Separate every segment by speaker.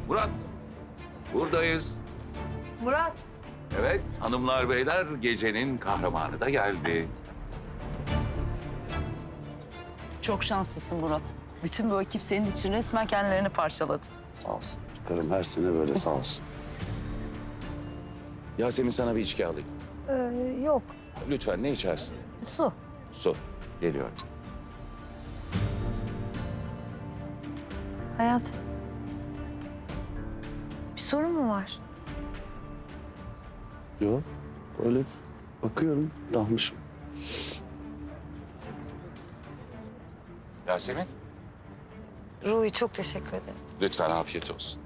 Speaker 1: Murat, buradayız.
Speaker 2: Murat.
Speaker 1: Evet, hanımlar beyler gecenin kahramanı da geldi.
Speaker 3: Çok şanslısın Murat. Bütün bu ekip senin için resmen kendilerini parçaladı.
Speaker 4: Sağ olsun. Karım her sene böyle sağ olsun.
Speaker 1: Yasemin sana bir içki alayım.
Speaker 2: Yok.
Speaker 1: Lütfen ne içersin?
Speaker 2: Su.
Speaker 1: Su. Geliyor.
Speaker 2: Hayat. Bir sorun mu var?
Speaker 4: Yok. Öyle bakıyorum. Dalmışım.
Speaker 1: Yasemin,
Speaker 2: Ruhi çok teşekkür ederim.
Speaker 1: lütfen afiyet olsun.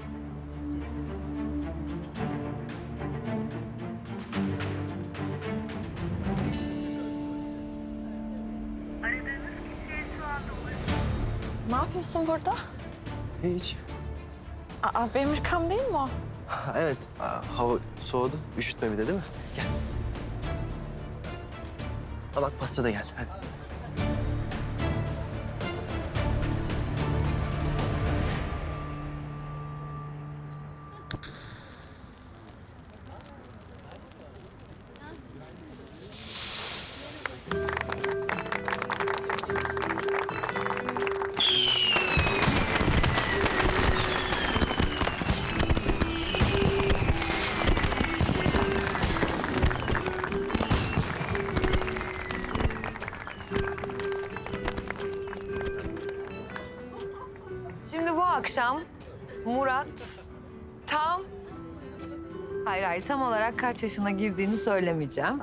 Speaker 5: Ne yapıyorsun burada?
Speaker 6: Hiç.
Speaker 5: Aa, benim ırkam değil mi o?
Speaker 6: Evet, hava soğudu. Üşütme bir de değil mi? Gel. Ha bak pasta da geldi. Hadi.
Speaker 2: Şimdi bu akşam Murat tam... Hayır, tam olarak kaç yaşına girdiğini söylemeyeceğim.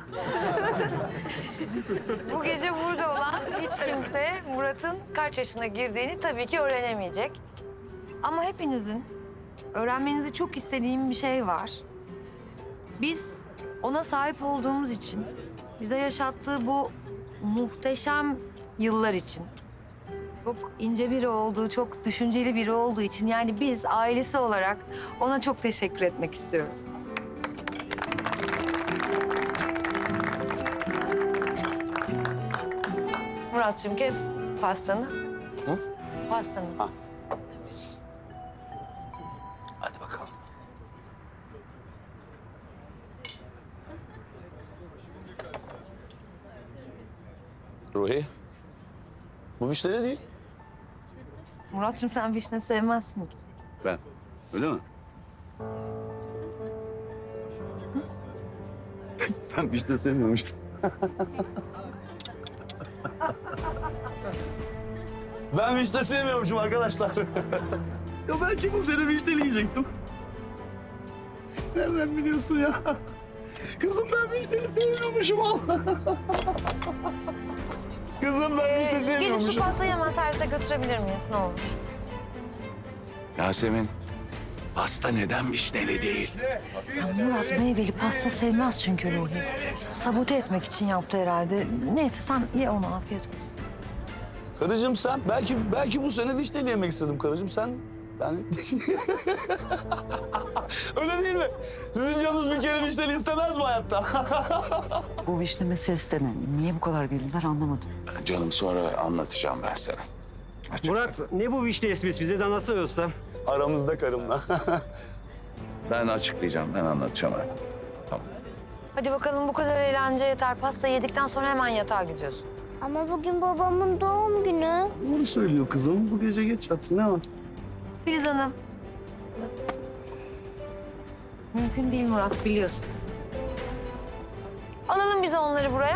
Speaker 2: Bu gece burada olan hiç kimse Murat'ın kaç yaşına girdiğini tabii ki öğrenemeyecek. Ama hepinizin öğrenmenizi çok istediğim bir şey var. Biz ona sahip olduğumuz için, bize yaşattığı bu muhteşem yıllar için, çok ince biri olduğu, çok düşünceli biri olduğu için, yani biz ailesi olarak ona çok teşekkür etmek istiyoruz. Murat'cığım kes pastanı.
Speaker 4: Hı?
Speaker 2: Pastanı.
Speaker 4: Ha. Hadi bakalım. Ruhi. Bu vişne de değil.
Speaker 2: Murat'cığım sen vişne sevmezsin ki.
Speaker 4: Ben. Öyle mi? Ben vişne sevmiyormuşum. Ben vişne sevmiyormuşum arkadaşlar. Ya belki bu sene vişne yiyecektim. Nereden biliyorsun ya? Kızım ben vişneyi sevmiyormuşum Allah. Kızım ben vişne
Speaker 2: Gelip şu
Speaker 4: sevmiyormuşum.
Speaker 2: pastayı hemen servise götürebilir miyiz ne olur?
Speaker 1: Yasemin, pasta neden vişneli değil?
Speaker 2: Murat meyveli pasta sevmez çünkü Ruhi. Sabote etmek için yaptı herhalde. Neyse sen ye onu, afiyet olsun.
Speaker 4: Karıcığım sen, belki bu sene vişneyle yemek istedim karıcığım sen. Yani... Öyle değil mi? Sizin canınız bir kere vişneli istemez mi hayatta?
Speaker 3: Bu vişne meselesi de ne? Niye bu kadar güldüler anlamadım.
Speaker 1: Canım sonra anlatacağım ben sana.
Speaker 7: Murat ne bu vişne esmesi bize de anlatsana usta.
Speaker 4: Aramızda karımla.
Speaker 1: Ben açıklayacağım, ben anlatacağım. Tamam.
Speaker 2: Hadi bakalım bu kadar eğlence yeter. Pasta yedikten sonra hemen yatağa gidiyorsun.
Speaker 8: Ama bugün babamın doğum günü.
Speaker 4: Bunu söylüyor kızım. Bu gece geç yatsın ne var?
Speaker 2: Filiz Hanım. Mümkün değil Murat, biliyorsun. Alalım bize onları buraya.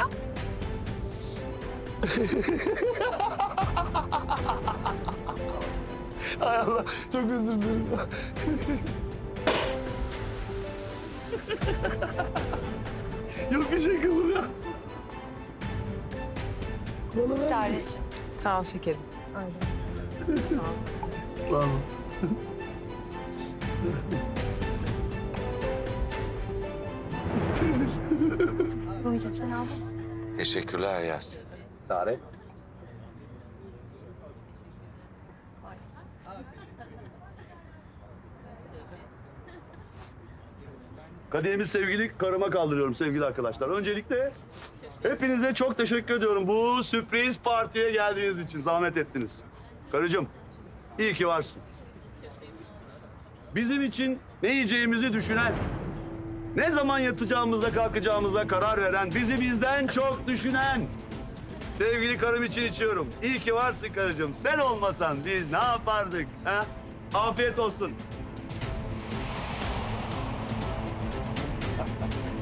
Speaker 4: Hay Allah çok özür dilerim. Yok bir şey kızım ya.
Speaker 2: İstericiğim.
Speaker 5: Sağ ol şekerim.
Speaker 4: Bravo. İsteriz.
Speaker 2: Ruhi'cim sen aldın.
Speaker 1: Teşekkürler Yasemin.
Speaker 4: Tarih. Kadehimi sevgili karıma kaldırıyorum sevgili arkadaşlar. Öncelikle hepinize çok teşekkür ediyorum bu sürpriz partiye geldiğiniz için. Zahmet ettiniz. Karıcığım, iyi ki varsın. Bizim için ne yiyeceğimizi düşünen, ne zaman yatacağımıza kalkacağımıza karar veren, bizi bizden çok düşünen. Sevgili karım için içiyorum. İyi ki varsın karıcığım. Sen olmasan biz ne yapardık? Ha? Afiyet olsun.